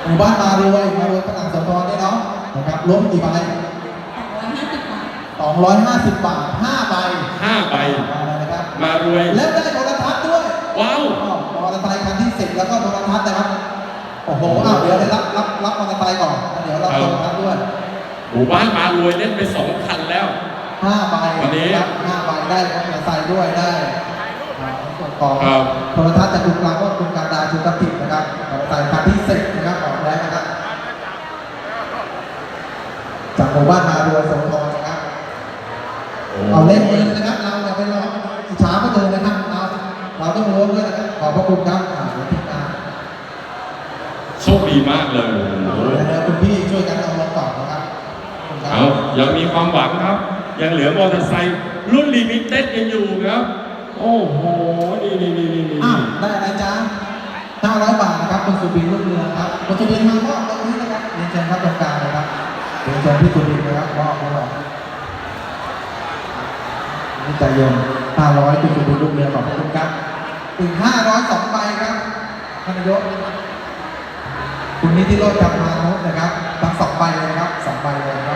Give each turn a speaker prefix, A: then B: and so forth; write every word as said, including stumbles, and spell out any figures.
A: หมู่บ้านมารวยมารวยพนังโสธรเนี่ยเนาะนะครับรวมกี่ใบสองร้อยห้าสิบบาทห้าใบ
B: ห้าใบ
A: นะครับ
B: มารวย
A: แล้วได้โทรทัศน์ด้วย
B: ว้าว
A: มอเตอร์ไซค์คันที่สิบแล้วก็โทรทัศน์นะครับโอ้โหอ้าวเดี๋ยวเดี๋ยวรับรับรับมอเตอร์ไซค์ก่อนเดี๋ยวรับโทรทัศน์ด้วย
B: หมู่บ้านมารวยเล่นไปสองคันแล้ว
A: ห้าใบ
B: วันนี้
A: ห้าใบได้มอเตอร์ไซค์ด้วยได้ส่วนของโทรทัศน์จากคุณกลางก็คุณการดาชูตัตินะครับมอเตอร์ไซค์คันที่สิบนะครับออกแล้วนะครับจากหมู่บ้านมารวยโสธรนะครับเอาเล่นเองนะครับเราอย่าไปรออิจฉาก็เจอนะครับเราเราต้องรู้ด้วยนะครับขอบพระคุณครับอ่าทีมงาน
B: โชคดีมากเลยโอ้โห
A: คุณพี่ช่วยกันเอาลงต่อนะครับ
B: เอายังมีความหวังครับยังเหลือมอเตอร์ไซค์รุ่นลิมิเต็ดยังอยู่ครับโอ้โหนี่นี่นี่นี่
A: อ่าได้อะไรจ้าห้าร้อยบาทนะครับคุณสุบินรุ่งเรืองครับคุณสุบินมามอบตรงนี้นะครับเรียนเชิญครับตรงกลางเลยครับเรียนเชิญพี่สุบินนะครับมอบให้เรานี่ใจเย็นห้าร้อยคุณสุบินรุ่งเรืองขอบคุณครับถึงห้าร้อยสองใบครับท่านนายกคุณนิติโรจน์ กำมานพนะครับทั้งสองใบเลยครับสองใบเลย